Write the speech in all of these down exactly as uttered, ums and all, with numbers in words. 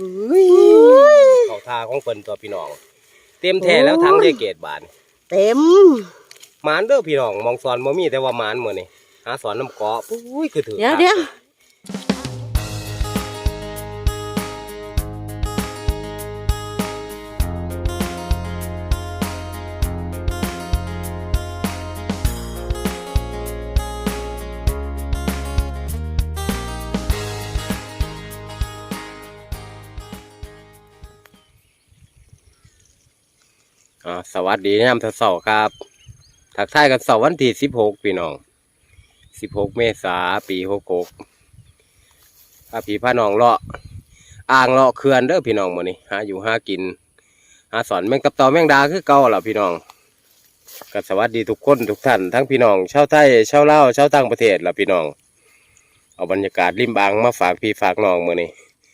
เขาทาของเพิ่นตัวพี่น้องเต็มแท้แล้วทั้งยายเกศบานเต็มหมานเด้อพี่น้องมองสอนบ่มีแต่ว่าหมานมื้อนี้หาสอนน้ำเกาะปุ้ยคือถือเดี๋ยวเดี๋ยวอ่าสวัสดียามเช้าๆครับทักทายกันเสาร์วันที่สิบหกพี่น้องสิบหกเมษายนปีหกหกพาพี่พาน้องเลาะอ่างเลาะเขื่อนเด้อพี่น้องมื้อนี้หาอยู่หากินหาสอนแมงกับเต่าแมงดาคือเก่าล่ะพี่น้องก็สวัสดีทุกคนทุกท่านทั้งพี่น้องชาวไทยชาวลาวชาวต่างประเทศล่ะพี่น้องเอาบรรยากาศริมอ่างมาฝากพี่ฝากน้องมื้อนี้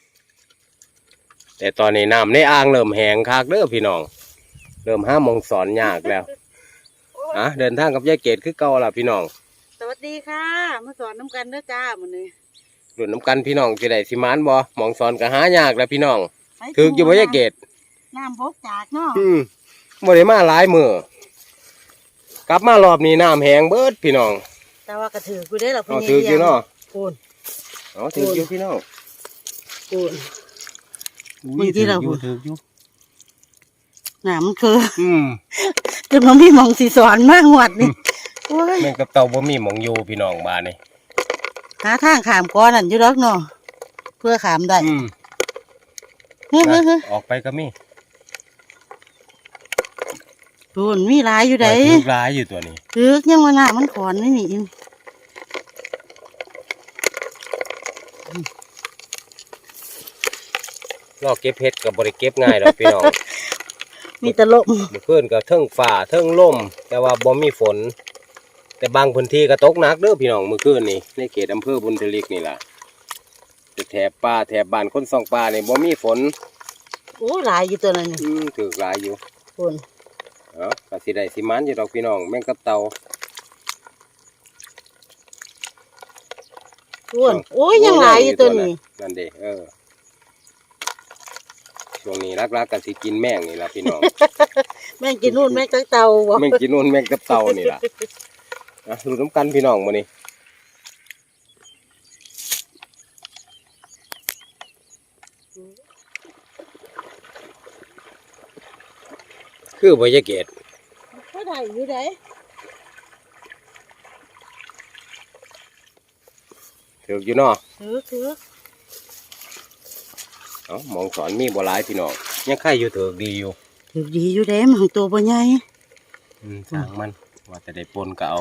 แต่ตอนนี้น้ำในอ่างเริ่มแห้งคักเด้อพี่น้องเริ่มห้ามองสอนยากแล้วอ่ะเดินทางกับยายเกศคือเก่าล่ะพี่น้องสวัสดีค่ะมาสอนน้ำกันเด้อจ้ามื้อนี้หลุดน้ำกันพี่น้องจะได้สิมานบ่มองสอนก็หายากแล้วพี่น้องถึกอยู่บ่ยายเกศน้ำบกจากเนาะอืมบ่ได้มาหลายมื้อกลับมารอบนี้น้ำแห้งเบิดพี่น้องแต่ว่ากระถือกูได้หรอพี่ถืออยู่เนาะปูนอ๋อถืออยู่พี่น้องปูนมึงที่เราปูนถืออยู่น้ำมันคืออืมจนมันมีมองสีสอนมากหวดนี่แม่งกับเต่าบ่มีหมองอยู่พี่น้องบ้านนี่หาทางขามก้อนนั่นอยู่แล้วเนาะเพื่อขามได้อืมเฮ้ยเฮ้ยออกไปก็มีปูนมีลายอยู่ไหนลายอยู่ตัวนี้ถือยังว่าหน้ามันขอนไม่มีลอกเก็บเพชรกับบริเก็บง่ายหรอกพี่น้องมีแต่ลมเพื่อนกับเทิงฝ่าเทิงลมแต่ว่าบ่มีฝนแต่บางพื้นที่ก็ตกหนักเด้อพี่น้องเมื่อคืนนี่ในเขตอำเภอบุญทลิกนี่ล่ะแถบป่าแถบบ้านคนซองป่านี่บ่มีฝนโอ้หลายอยู่ตัวนั้นอืมถือหลายอยู่ฝนเอ้าก็สิได้สิมันอยู่ดอกพี่น้องแม่งกับเต่าฝนโอ้ยยังหลายอยู่ตัวนี้นั่นเด้เออช่วงนี้รักๆกันสิกินแม่งนี่ล่ะพี่น้องแม่งกินนู่นแม่งกับเต่าแม่งกินนู่นแม่งกับเต่านี่ล่ะอ่ะรู้น้ำกันพี่น้องมื้อนี้คือบ่ยายเกศเขาได้อยู่ไหนถืออยู่เนาะถือถือเอ้ามองสอนมีบ่หลายพี่น้องยังไข่อยู่ถือดีอยู่ถือดีอยู่เด้มันตัวบ่ใหญ่อืมสร้างมันว่าจะได้ปนก็เอา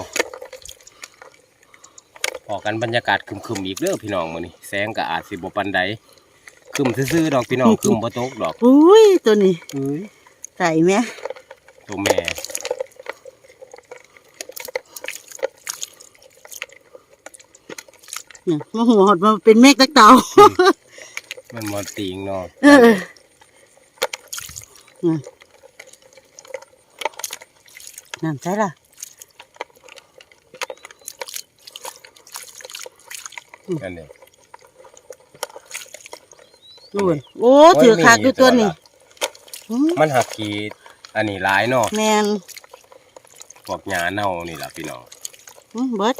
พอกันบรรยากาศคึมๆอีกเด้อพี่น้องมื้อนี้แสงก็อาจสิบ่ปานใดคึมซื่อๆดอกพี่น้องคึมบ่ตกดอกอุ้ยตัวนี้อุ้ยใส่แม่ตัวแม่เนี่ยมาหัวหดมาเป็นเมฆตะเต่ามันมอติงเนาะเออนั่นใช่ล่ะนั่นเองดูโอ้ถือขาดอยู่ตัวนี้มันหักขีดอันนี้ร้ายเนาะแมนพวกหญ้าเน่านี่แหละพี่น้องเบิด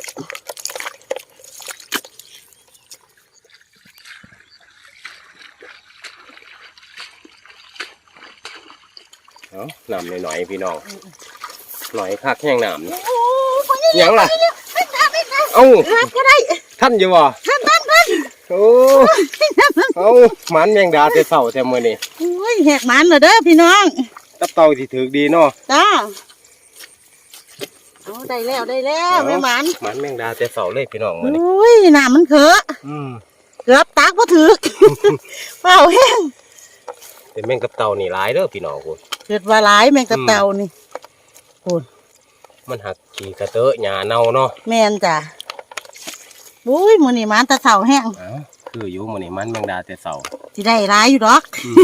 เอาหนำหน่อยๆพี่น้องหน่อยคักแห้งหนำยังล่ะเอ้าก็ได้ท่านอยู่บ่ท่านท่านท่านโอ้เอาหมันแมงดาแต่เสาแต่มื้อนี้โอ้ยแหกหมันเหรอเด้อพี่น้องตับเต่าที่ถือดีเนาะจ้าโอ้ได้แล้วได้แล้วแม่หมันหมันแมงดาแต่เสาเลยพี่น้องมื้อนี้โอ้ยน้ำมันเขอะเกือบตักบ่ถึกเปล่าแห้งเป็นแมงกับเต่านี่หลายเด้อพี่น้องคุณเกิดว่าหลายแมงกับเต่านี่คุณมันหักขี้กระเตอะหญ้าเน่าเนาะแม่นจ้ะอุ้ยมื้อนี้มันตะเสาแห้งคืออยู่มื้อนี้มันแมงดาแต่เสาสิได้หลายอยู่ดอก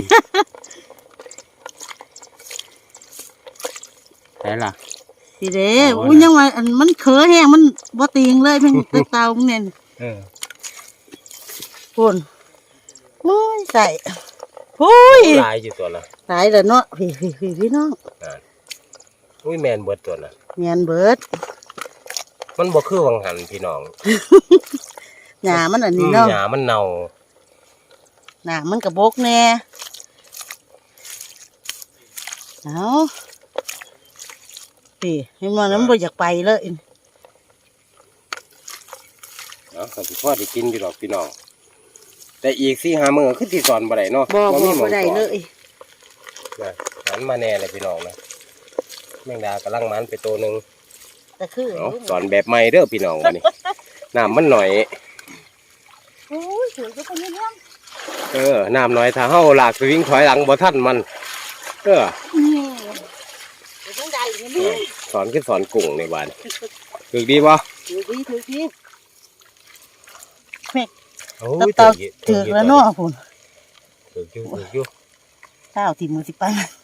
ไหนล่ะสิเด้อุ้ยยังว่าอันมันเขอะแห้งมันบ่ติงเลยแมงกับเต่าพวกนี้เออคุณโอ้ยใส่พุ้ยหลายอยู่ตัวละตายแล้วเนาะพี่พี่พี่พี่น้องอุ้ยแมนเบิดตัวน่ะเงียนเบิดมันบ่คือวังหันพี่น้องหญ้ามันอันนี้เนาะหญ้ามันเน่าหน้ามันกระบกแน่เอาพี่ให้มันมันบ่อยากไปเลยเนาะก็สิพอได้กินอยู่ดอกพี่น้องแต่อีกสี่ห้ามื้อคือสิสอนบ่ได้เนาะบ่บ่มีหม้บ่องได้สอนเลยนะหันมาแน่เลยพี่น้องนะแมงดากำลังมันไปตัวหนึงแต่คือเนาะสอนแบบใหม่เด้อพี่น้องวันนี้ น้ำมันหน่อยโอ้ยสวยจังคนนี้เนาะเออน้ำหน่อยถ้าเฮาลากสวิงถอยหลังบ่ทันมันเออนี่เดี๋ยวต้องได้อีกนิดสอนคือสอนกุ้งในบ้านถูกดีบ่ถือดีถือดีโอ้ตับยเต่าอยู่ถือแล้วเนาะพุ่นถูกอยู่ถูกอยู่เจ้าที่มือสิไป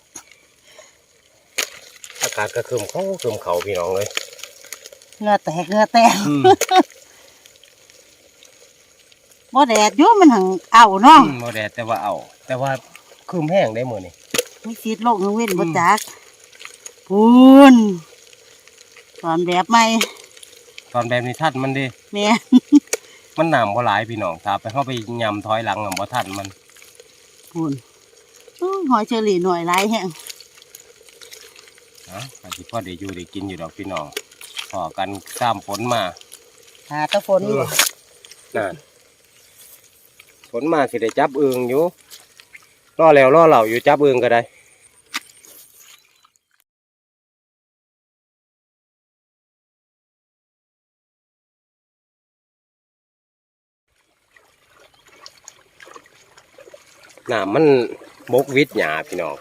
อากาศก็ครึมเขาครึมเขาพี่น้องเลยเหงือแตกเหงือแตกอืมบ่แดดอยู่มันหังเอาเนาะบ่แดดแต่ว่าเอา แต่ว่าครึมแห้งได้มื้อนี้มีซีดโลกนึงเว้นบ่จักพูนสอนแบบใหม่ตอนแบบนี้ทันมันดิแม่มันน้ำบ่หลายพี่น้องถ้าไปเข้าไปยำถอยหลังอ่ะบ่ทันมันพูนอู้หอยเชอรี่หน่อยหลายแห้งนะอาจสิพอได้อยู่ได้กินอยู่ดอกพี่น้องพอกันข้ามฝนมาหาแตะฝนบ่นั่นฝนมาสิได้จับอึ่งอยู่รอแล้วรอเหล่าอยู่จับอึ่งก็ได้น้ำมันบกวิดหยาพี่น้อง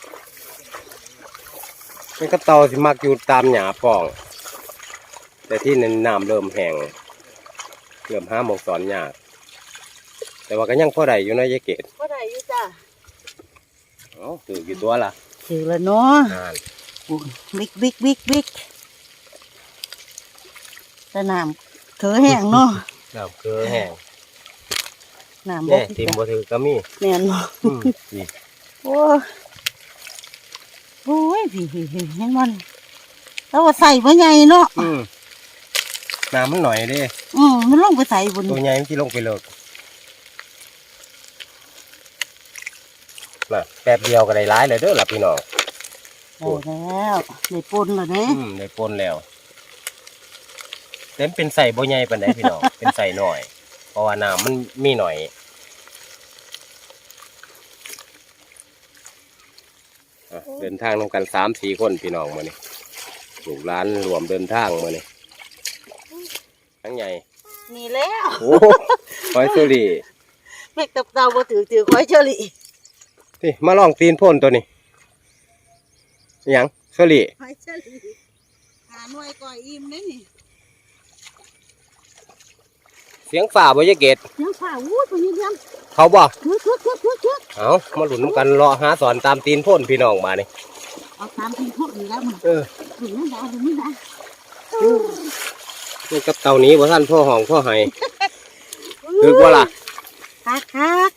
นี่ก็เตาสิมักอยู่ตามหยาป่อง แต่ที่นั้นน้ำเริ่มแห้งเริ่มห้าหมกสอนยากแต่ว่าก็ยังพอได้อยู่นะยายเกดบ่ได้อยู่จ้ะเอ้าถือกี่ตัวล่ะถือแล้วเนาะนั่นพูนบิ๊กบิ๊กบิ๊กบิ๊กแต่น้ำเถอแห้งเนาะน้ำเกลือแห้งน้ำบ่แน่ทิมบ่ถือก็มีแม่นบ่อืมนี่โอ้โอ้ยพี่พี่พี่เห็นมันแล้วว่าใส่บ่ใหญ่เนาะอืมน้ำมันหน่อยเด้อืมมันลงไปใส่บนตัวใหญ่มันที่ลงไปเลิกน่ะแป๊บเดียวก็ได้ร้ายเลยเด้อล่ะพี่น้องได้แล้วได้ปนแล้วเด้อืมได้ปนแล้วเต็มเป็นใส่บ่ใหญ่ปานใดพี่น้อง เป็นใส่หน่อย เพราะว่าน้ำมันมีหน่อยอ่ะเดินทางนำกันสามสี่คนพี่น้องมานี่ลูกหลานรวมเดินทางมานี่ทั้งใหญ่นี่แล้วโอ้หอยสุรีแม่ตับเตาบ่ถือถือคอยเชอรี่นี่มาลองตีนพ่นตัวนี้อิหยังสุรีคอยเชอรี่หาหน่วยก่อยอิ่มได้นี่เสียงฝ่าบ่ยะเกตยังฝ่าอู้ตัวนี้เลี้ยงเขาบ่คึกคึกคึกคึกคึกเอามาหลุนน้ำกันรอหาสอนตามตีนพ่นพี่น้องมานี่เอาตามที่พวกนี้แล้วมันเออถึงนั่นดาถึงนี่ดานี่กับเต่านี้บ่ท่านพ่อห้องพ่อไห้คือว่าล่ะคักคัก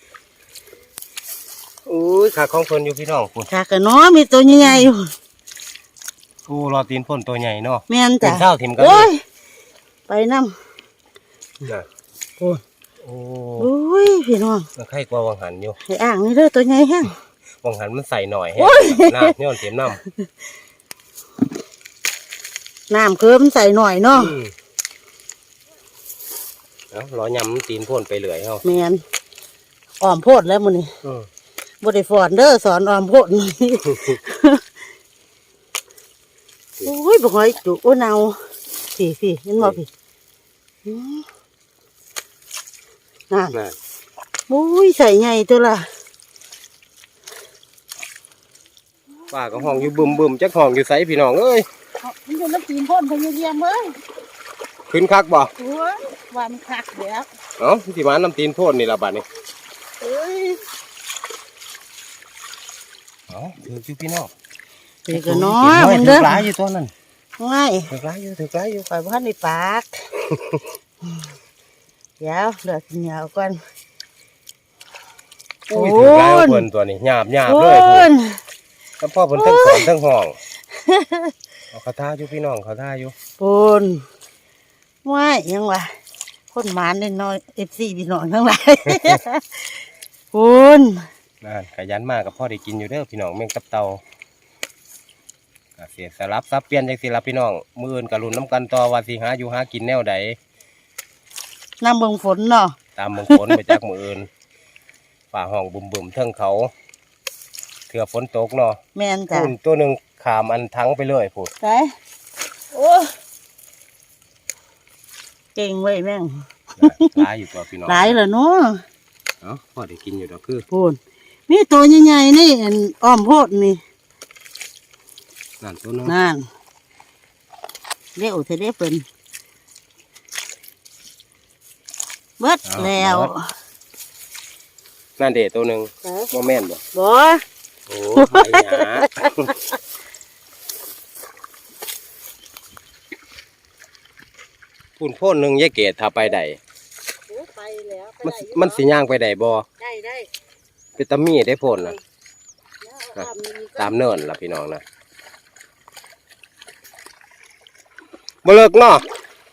อุ้ยขาของเพิ่นอยู่พี่น้องคุณคักกันเนาะมีตัวใหญ่ๆอยู่กูรอตีนพ่นตัวใหญ่เนาะแม่นเป็จ้ะนเช้าถิ่มกันโอ้ยไปน้น่ะำโอ้ยโอ้โอ้ยพี่น้องมันไข่กว่าวังหันอยู่ให้อ่างนี่เด้อตัวใหญ่แห้งวังหันมันใส่หน่อยแฮะโอ้ยน้ำเนี่ยมันเต็มน้น้ำเคิมใส่หน่อยำเนาะอืมเอารอยำมันตีนพ่นไปเรื่อยเฮาแมนอ้อมโพดแล้วมื้อนี้อืมบ่ได้ฟอนเด้อสอนอ้อมโพดนี่ โอ้ยบ่หอยจุกโอ้เนาพี่พี่เห็นบ่พี่อืมนั่นน่ะโอ้ยใส่ใหญ่ตัวละป้าก็ห้องอยู่บึมบึมจักห้องอยู่ไสพี่น้องเอ้ยมันอยู่น้ำตีนพ่นพยายามเอ้ยขึ้นคักบ่โอ้ยว่ามันคักแล้วเอ้าสิมาน้ำตีนพ่นนี่ล่ะบัดนี้เอ้ยเอ้าถืออยู่พี่น้องเด็กก็น้อเก็ยบมันถืเด้ออหลายอยู่ตัวนั้นง่ายถือหลายอยู่ถือหลายอยู่ปล่อยบ้านในปากเดี๋ยวเหลือกินเหนียวก่อนอุ้ยถือแล้วเพิ่นตัวนี้หยาบหยาบเลยพูนแล้วพ่อเพิ่นทั้งสอนทั้งห้องเอาเขาท่าอยู่พี่น้องเขาท่าอยู่ปูนว่ายยังวะคนหมานเน้อยเอฟซีพี่น้องทั้งหลายปูนนั่นขยันมากกับพ่อได้กินอยู่เด้อพี่น้องแมงตับเต่าเสียสลับซับเปลี่ยนจังสิละพี่น้องมืออื่นกับรุ่นน้ำกันต่อว่าสิหาอยู่หากินแนวใดน้ำเบิ่งฝนเนาะตามมงคลไปจากมืออื่นฝ่าห้องบุ่มบุ่มๆเทิงเขาเถื่อฝนตกเนาะแม่นจ้ะพุ่นตัวหนึ่งขามอันทั้งไปเลยพูดไปโอ้เก่งเว้ยแม่งหลายอยู่ตัวพี่น้องหลายเลยเนาะเอ้าพ่อได้กินอยู่ดอกคือปูนมีตัวใหญ่ๆนี่อันอ้อมโพดนี่นั่นตัวหนึงนั่นเรียกเธอได้เป็นเบิดแล้วนั่นเด็ตัวหนึ่งโมแม่นบ่บ่โอ้หายหยาพุ่นโพ่นหนึ่งยายเกศถ้าไปใดไปแล้วมันมันสิย่างไปใดบ่ได้ได้เป็นตามีได้โพ่นน่ะตามเนินล่ะพี่น้องนะบ่เลิกเนาะ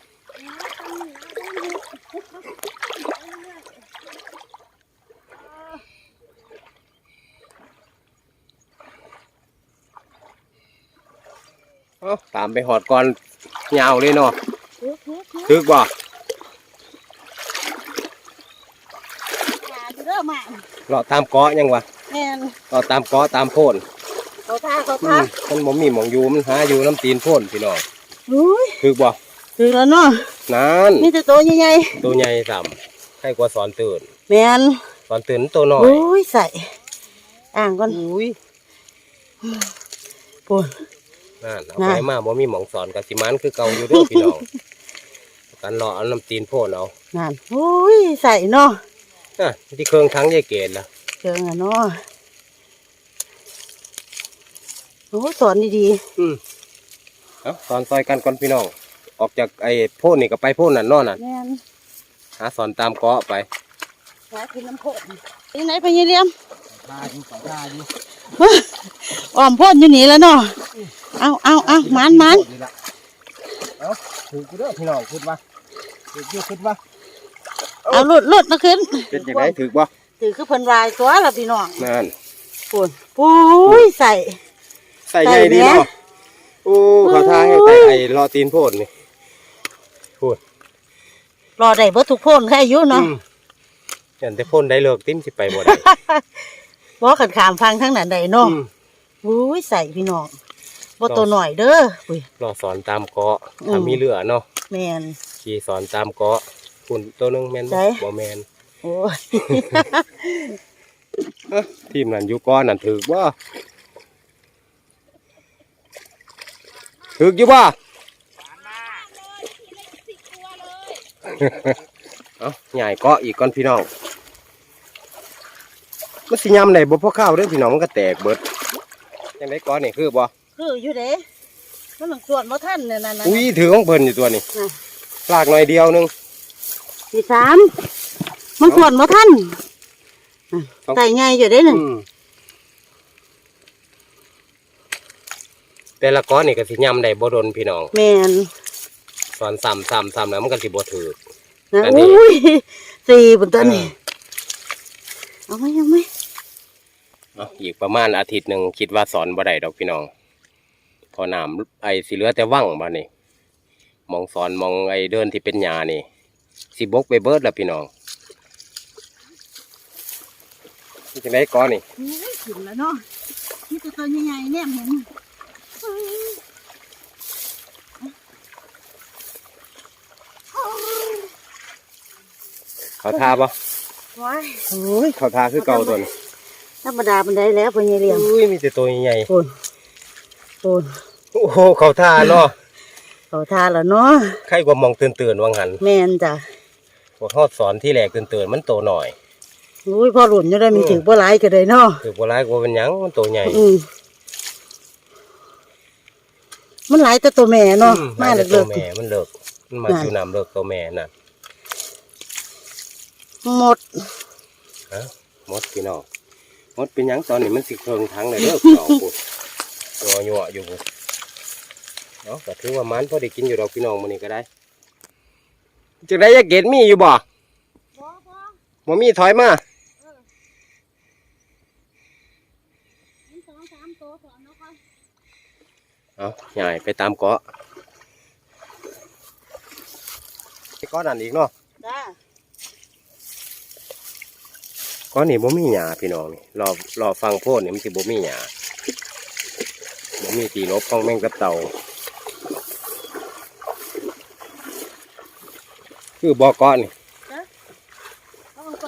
เอาตามไปหอดก่อนยาวเลยเนาะถึกบ่เริ่มมาเลาะตามเกาะยังวะแม่นเลาะตามเกาะตามโพ่นเขาท่าเขาอืท่ามมันบ่มีหมองอยู่มันหาอยู่น้ำตีนโพ่นพี่น้องอุ้ยถึกบ่ถึงแล้วเนาะนั่นมีแต่ตัวใหญ่ตัวใหญ่ซ้ำใครกว่าสอนตื่นๆแม่นสอนตื่นตัวน้อยอุ้ยใส่อ่างก่อนอุ้ยปูนนั่นเอาน่ะไปมาบ่มีหมองสอนกับสิมันคือเก่าอยู่เด้อพี่น้องกันเลาะเอาน้ำตีนโพ่นเอานั่นอุ้ยใส่เนาะอ่ะที่เครื่องทั้งยายเกศล่ะเจออ่ะเนาะโอ้สอนดีอืมเอาสอนซอยกันก่อนพี่น้องออกจากไอ้โพ่นนี่ก็ไปโพ่นนั่นเนอนน่ะๆแม่นหาสอนตามเกาะไปหากินน้ำโพดยังไงไปยี่เลี้ยมตาดีตาดีอ้อมโพดอยู่นี่แล้วเนาะเอาเอาเอาหมันหมันเอาถือกูเด้อพี่น้องคิดว่าถืออยู่คิดว่าเอาหลุดหลุดมาขึ้นเป็นยังไงถือบ่ถือคือเพิ่นวายตัวละพี่น้องนั่นปูนปุ้ยใส่ใส่ใหญ่ดีใส่แหมเนาะโอ้เขาทาให้ใส่ไอ้รอตีนโพดนี่พูดรอได้เบิดทุกโพนแค่อายุเนาะอืมเห็นแต่พ่นได้เลิกติ้มสิไปบ่ได้บ่ขันขามฟังทั้งนั้นได้เนาะอืมปุ้ยใส่พี่น้องบ่ตัวหน่อยเด้อปุ้ยรอสอนตามเกาะอืมถ้ามีเรือเนาะแม่นขี่สอนตามเกาะคุณตัวหนึงแม่นใช่บ่บ่แม่นโอ้ยเอ้อทีมนั้นอยู่ก้อนนั่นถือบ่ถืออยู่บ่เอาใหญ่เกาะอีกก่อนพี่น้องมันสิยำได้บ่พอข้าวเด้อพี่น้องมันก็แตกเบิดจังได๋เกาะนี่คือบ่คืออยู่เด้มันหลังส่วนบ่ทันเนี่ยนั่นน่ะอุ้ยถือของเพิ่นอยู่ตัวนี้น่ะลากหน่อยเดียวหนึงที่สามมันส่วนบ่ทันอ่ะต้องใส่ใหญ่อยู่เด้หนึ่งอืมแต่ละก้อนนี่ก็สิยำได้บ่ดนพี่น้องแม่นสอนซ้ำซ้ำซ้ำแล้วมันก็สิบ่ถือนะอันนี้อุ้ยสี่บนต้นนี่เออเอาไหมเอาไหมเอาอีกประมาณอาทิตย์หนึ่งคิดว่าสอนบ่ได้ดอกพี่น้องพอน้ำไอ้สิเหลือแต่ว่างบ้านี่มองสอนมองไอ้เดินที่เป็นหญ้านี่สิบกไปเบิดแล้วพี่น้องนี่จังไดก้อนนี่อุ้ยถึงแล้วเนาะนี่ตัวตัวใหญ่ๆเนี่ยเห็นเขาทาปะว้ายโอ้ยเขาทาคือเก่าตัวนี้ธรรมดาเป็นได้แล้วพ่อใหญ่เลี้ยงอุ้ยมีแต่ตัวใหญ่โอนโอนๆโอ้โหเขาทาเนาะเขาทานแล้วเนาะใครกว่ามองตื่นๆวังหันแม่นจ้ะพวกทอดสอนที่แหลกตื่นๆมันโตหน่อยอุ้ยพ่อหลุนอยู่ได้มีอืมถึงบ่หลายก็ได้เนาะคือโบราณกว่าเป็นหยังมันโตใหญ่อืมมันหลายแต่ตัวแม่เนาะอืมาแต่เลิตัวกแม่มันเลิกมันมาน่ะอยู่น้ำเลิกตัวแม่น่ะๆหมดฮะหมดพี่น้องหมดเป็นหยังตอนนี้มันสิเคิงทั้งเลยเด้อพี่น้องพุ่นตัวหยั่วอยู่พุ่นเนาะก็ถือว่ามันพอได้กินอยู่ดอกพี่น้องมื้อนี้ก็ได้จังได๋ยายเกดมีอยู่บ่บ่บ่บ่มีถอยมามีสองสามตัวก่อนเนาะค่ะเอาใหญ่ไปตามเกาะไปเกาะนั่นอีกเนาะจ้าเกาะนี่บ่มีหญ้าพี่น้องนี่รอรอฟังโพดนี่มันสิบ่มีหญ้าบ่มีตีนบของแมงตับเต่าคือบ่อเกาะนี่เอาก่อน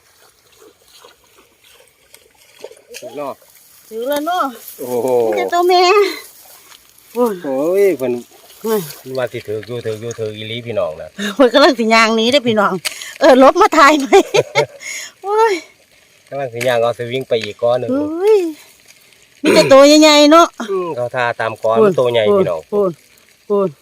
ถูกเนาะถือแล้วเนาะโอ้โหมีแต่ตัวแม่โอ้ยโอ้ยเพิ่นเฮ้ยว่าสิถืออยู่ถืออยู่ถืออีหลีพี่น้องนะเพิ่นกำลังสิย่างหนี้เด้อพี่น้อง เออลบมาถ่ายไหม โอ้ยกำลังสิย่างเอาสวิงไปอีกเกาะหนึงเฮ้ยมีแต่ตัวใหญ่ๆเนาะอืมเขาทาตามเกาะมันโตใหญ่พี่น้องพูนพูน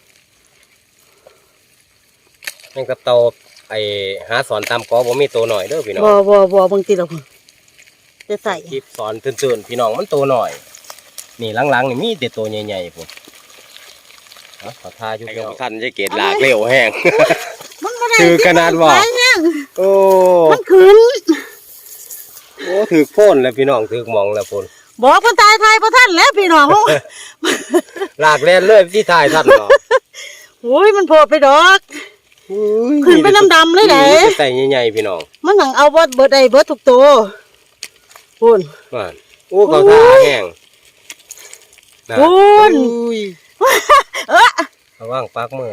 แมงตับเต่าไอ้หาสอนตามเกาะบ่มีโตหน่อยเด้อพี่น้องบ่บ่บ่บางทีเราจะใส่คลิปสอนตื่นๆพี่น้องมันโตหน่อย นี่หลังๆนี่มีแต่โตใหญ่ๆพุ่นเอาขอทาอยู่พี่น้องท่านจะเกตลากเร็วแห้งมันบ่ได้ถือขนาดบ่หลยแห้งโอ้มันขึ้นโอ้ถือโพ่นแล้วพี่น้องถือหมองแล้วพุ่นบอกคนตายทายบ่ทันแล้วพี่น้องลากแล่นเลยที่ทายท่านเนาะโอ้ยมันโผล่ไปดอกอุ้ยขึ้นไปดำๆเลยเด้มีแต่ใส่ใหญ่ๆพี่น้องมันหนังเอาเบิดเบิดได้เบิดทุกตัวพูนว่าโอ้เขาทาแห้งนะพูนอุ้ยเออระวังปากมือ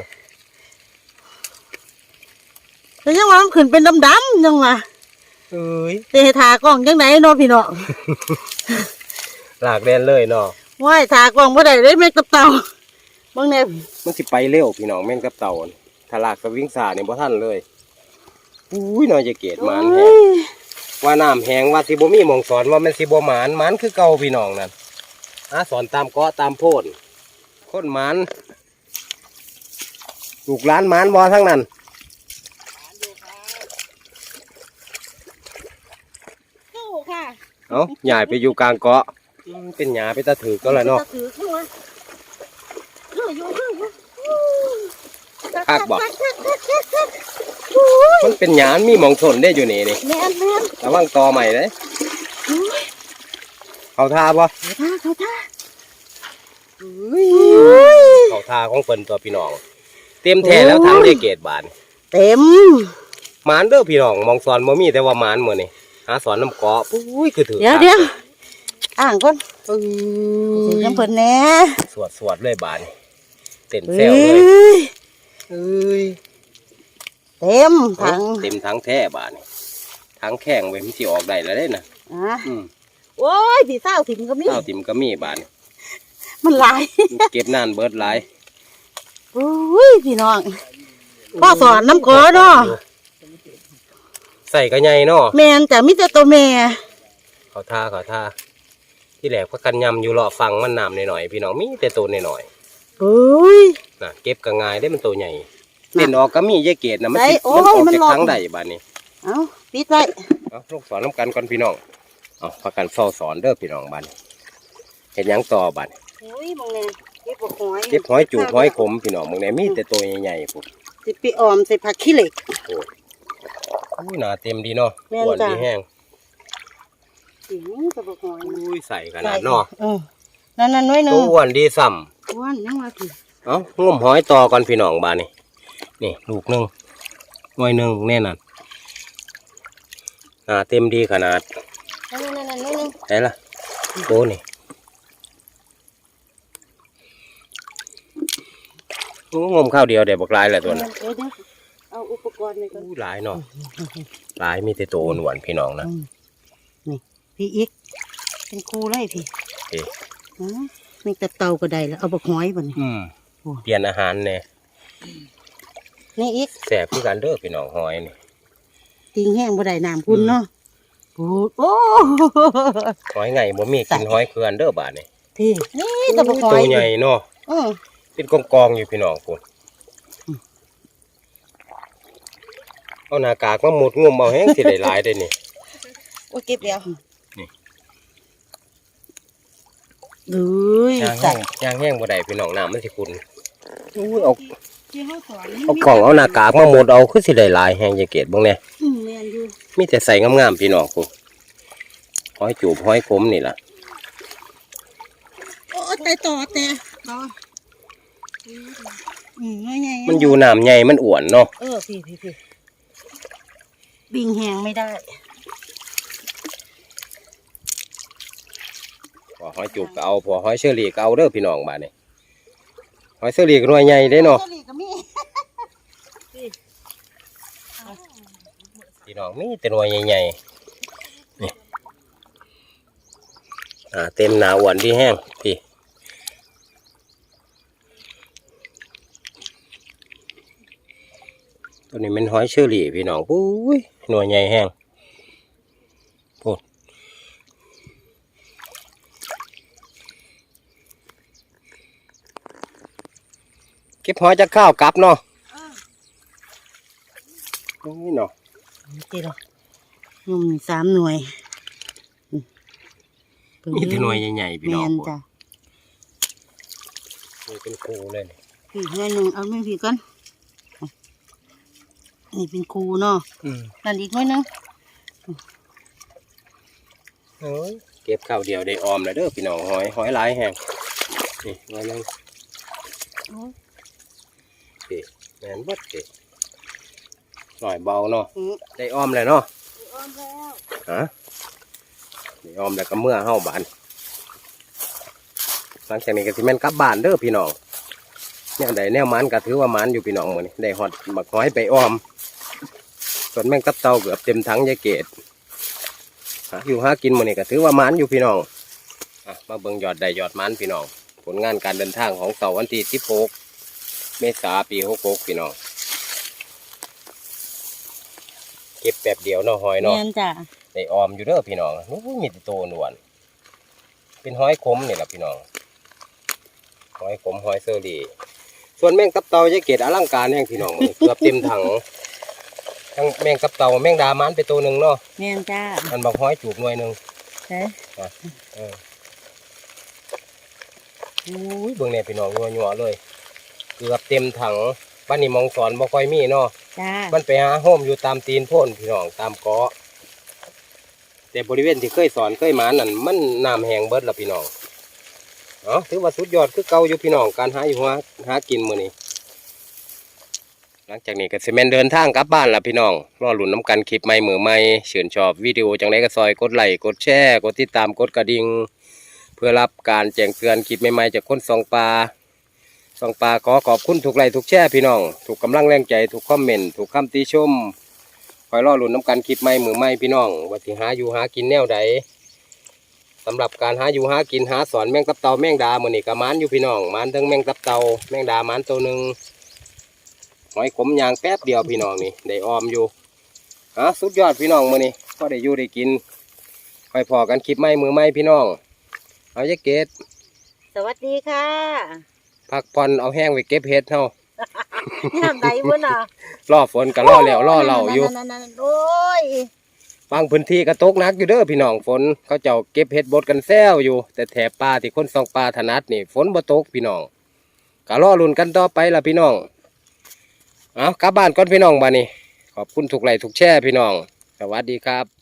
แต่ยังว่ามันขึ้นเป็นดำๆยังว่าเอ้ยแต่ให้ทากล้องจังไหนเนาะพี่น้องลากแล่นเลยเนาะว้ายทากล้องบ่ได้เลยแม่กับเต่าเบิ่งแน่มันสิไปเร็วพี่น้องแม่นกับเต่าน่ะถ้าลากสวิงสาเนี่ยบ่ทันเลยอุ้ยน้อยจะเกตหมานแห้ง ว่าน้ำแห้งว่าสิบ่มีหมองสอนว่ามันสิบ่หมานหมานคือเก่าพี่น้องนั่นอาสอนตามเกาะตามโพนคนหมานลูกหลานหมานบ่ทั้งนั้นสู้ค่ะเอ้าใหญ่ไปอยู่กลางเกาะอืมเป็นหญ้าไปตะถือก็แล้วเนาะถือขึ้นมาถืออยู่ถืออยู่คักบ่คักคักคักคักคักโอ้ยมันเป็นหญ้ามีหมองทนได้อยู่นี่นี่แม่นแม่นระวังตอใหม่เลยโอ้ยเขาทาบ่เขาท่าเขาท่าเขาทาของเพิ่นตัวพี่น้อง เต็มแท้แล้วทั้งเจเกตบานเต็มหมานเด้อพี่น้องหมองสอนบ่มีแต่ว่าหมานมื้อนี่หาสอนน้ำเกาะปุ้ยคือถือเดี๋ยวเดี๋ยวอ่างก่อนเอ้ถือย น้ำเพิ่นแหน่สวดสวดเลยบานเต้นเฮ้แซวเลยยเอ้ยเต็มถังเต็มทั้งแท้บานนี่ทั้งแข้งเว้ยมันสิออกได้แล้วเด้น่ะอ่ะอืมโอ้ยพี่สาวถิ่มก็มีข้าวติ่มก็มีบานนี่มันหลายเก็บนานเบิดหลายโอ้ยพี่น้องพ่อสอนน้ำก้อเนาะใส่กระไงเนาะแม่นแต่มีแต่ตัวแม่เขาท่าเขาท่าที่แหลกพักกันยำอยู่เลาะฟังมันน้ำหน่อยๆพี่น้องมีแต่ตัวหน่อยโอ้ยๆน่ะเก็บกระงายได้มันตัวใหญ่เต้นออกก็มีเยเกตนะมันสิได้โอ้มันยออกมันจากหลอกทั้งใดบานนี้เอาปิดไว้เอาลูกสอนน้ำกันก่อนพี่น้องเอาพักกันเฝ้าสอนเด้อพี่น้องบานนี้เห็นหยังต่อบานโอ้ยมองแน่เก็บหอยเก็บหอยจูบหอยขมพี่น้องมึงเนี่ยมีแต่ตัวใหญ่ๆพวกสิไปออมใส่ผักขี้เหล็กอุ้ยหนาเต็มดีเนาะแม่นอ้วนจ้ะดีแห้งสิกระบอกหอยอุ้ยใส่ขนาดเนาะเออนั่นนั่นน้อยหนึตัวงอ้วนดีซ้อ้วนยังว่าสิำเอางมหอยต่อก่อนพี่น้องบานนี่นี่ลูกหนึ่งหน่วยหนึ่งแน่นอนหนาเต็มดีขนาดนั่นนั่นนั่นน้อยหนึงไหนล่ะโตนี่โอ้งมข้าวเดียวเดี๋ยวบอกลายแหละตัวน่ะเดี๋ยวเดี๋ยวเอาอุปกรณ์ไปก่อนอู้หลายเนาะหลายมีแต่ตัวอ้วนๆพี่น้องนะอืมนี่พี่อีกเป็นครูไล่พี่เอ๊ะอ๋อมีแต่เตาก็ได้แล้วเอาบักหอยบ่นี่อืมโอ้เปลี่ยนอาหารเนี่ยนี่อีกแสบคือกันเด้อพี่น้องหอยนี่ติงแห้งบ่ได้น้ำคุณเนาะโอ้โอ้หอยไงบ่มีกินหอยเคือนเด้อบาดนี่พี่นี่แต่บักหอยตัวใหญ่เนาะอือเป็นกองกองๆอยู่พี่น้องคุณเอาหน้ากากมาหมดงมเอาแห้งสิได้หลายได้นี่โอ้ยเก็บเดียวนี่ดูยย่างจัแห้ดงย่างแห้งบ่ได้พี่น้องน้ำมันสิขุ่นอุ้ยเอาที่เฮาสอนเอากล่องเอาหน้ากากมาหมดเอาคือสิได้หลายแห้งยายเกดเบิ่งแน่อืมแม่นอยู่มีแต่ใส่งามๆพี่น้องกูหอยจูบหอยขมนี่ล่ะโอ้ตายต่อแต่ต่ออืมง่ายๆมันอยู่น้ำใหญ่มันอ้วนเนาะเออพี่พี่พี่บิงแหงไม่ได้พอหอยจูบก็เอาพอหอยเชอรี่ก็เอาเด้อพี่น้องบาดนี้หอยเชอรี่ก็หน่วยใหญ่เด้เนาะเชอรี่ก็มีพี่น้องมีแต่หน่วยใหญ่ๆนี่อ่าเต็มหนาอ้วนที่แห้งพี่ตัวนี้เป็นหอยเชอรี่พี่น้องปุ้ยหน่วยใหญ่แห้งพูดเก็บหอยจากข้าวกลับเนาะนี่เนาะตีหรอนุ่มสามหน่วยมีแต่หน่วยใหญ่ๆพี่แมน้องนพูดจ้ะนี่เป็นคูเลยนี่พี่หน่วยหนึ่งเอาไม่พี่ก่อนนี่เป็นคูเนาะอืมนั่นอีกหน่วยหนึงโอ้ยเก็บข้าวเดียวได้ออมแล้วเด้อพี่น้องหอยหอยหลายแห้งนี่หน่อยหนึงโอ้ยสิแม่นเบัดสิหน่อยเบาเนาะอืมได้ออมเลยเนาะอ้อมแล้วฮะได้ออมแล้วก็เมื่อเฮาบานหลังจากนี้ก็สิแม่นกลับบ้านเด้อพี่น้องแนวใดแนวมันก็ถือว่ามันอยู่พี่น้องมื้อนี้ได้ฮอดบักหอยไปออมส่วนแม่งตับเต่าเกือบเต็มถังยายเกดหาอยู่หากินมื้อนี้ก็ถือว่ามันอยู่พี่น้องอ่ะมาเบิ่งยอดได้ยอดมันพี่น้องผลงานการเดินทางของเสาร์วันที่สิบหกเมษายนปีหกหกพี่น้องเก็บแบบเดียวเนาะหอยแมเนาะนจ้ะได้ออมอยู่เด้อพี่น้องนู้มีแต่โตนวลเป็นหอยขมนี่แหละพี่น้องหอยขมหอยเซอรี่ส่วนแมงตับเต่ายายเกดอลังการแห่งพี่น้องมื้อ เกือบเต็มถังทั้งแมงตับเต่าแมงดามันไปตัวหนึ่งเนาะแมนจ้ะมันบอกหอยจูบหน่วยหนึ่งใช่อ่ะเอออุ้ยเบิ่งเนี่ยพี่น้องยัวๆเลย เกือบเต็มถังบ้านนี้มองสอนบ่ค่อยมีเนาะจ้ามันไปหาโฮมอยู่ตามตีนโพ่นพี่น้องตามเกาะแต่บริเวณที่เคยสอนเคยหมานั่นมันน้ำแห้งเบิดละพี่น้องเนาะถือว่าสุดยอดคือเก่าอยู่พี่น้องการหาอยู่หาหากินมื้อนี้หลังจากนี้ก็สิแม่นเดินทางกลับบ้านละพี่น้องรอลุ้นน้ำกันคลิปใหม่มือใหม่เชิญชอบวิดีโอจังไดก็ซอยกดไลค์กดแชร์กดติดตามกดกระดิ่งเพื่อรับการแจ้งเตือนคลิปใหม่ๆจากคนส่องปลาส่องปลาขอขอบคุณทุกไลค์ทุกแชร์พี่น้องถูกกำลังแรงใจถูกคอมเมนต์ถูกคำติชมคอยรอลุ้นน้ำกันคลิปใหม่มือใหม่พี่น้องว่าสิหาอยู่หากินแนวใดสำหรับการหาอยู่หากินหาสอนแมงตับเต่าแมงดามื้อนี้ก็หมานอยู่พี่น้องหมานทั้งแมงตับเต่าแมงดาหมานตัวหนึ่งหอยขมยางแป๊บเดียวพี่น้องนี่ได้ออมอยู่ฮะสุดยอดพี่น้องมื้อนี้พอได้อยู่ได้กินคอยพอกันคลิปใหม่มือใหม่พี่น้องเอาจะเก็ดสวัสดีค่ะพักผ่อนเอาแห้งไปเก็บเห็ดเฮาน้ำใดบุญอ่ะล่อฝนก็ล่อแล้วล่อเหล่าอยู่นั่นๆๆๆโอ้ยบางพื้นที่ก็ตกหนักอยู่เด้อพี่น้องฝนเขาเจ้าเก็บเห็ดบดกันแซวอยู่ แต่แถบป่าที่คนส่องป่าถนัดนี่ฝนบ่ตกพี่น้องก็รอลุ้นกันต่อไปล่ะพี่น้องเอากลับบ้านก่อนพี่น้องบ้านนี้ขอบคุณทุกไลค์ทุกแชร์พี่น้องสวัสดีครับ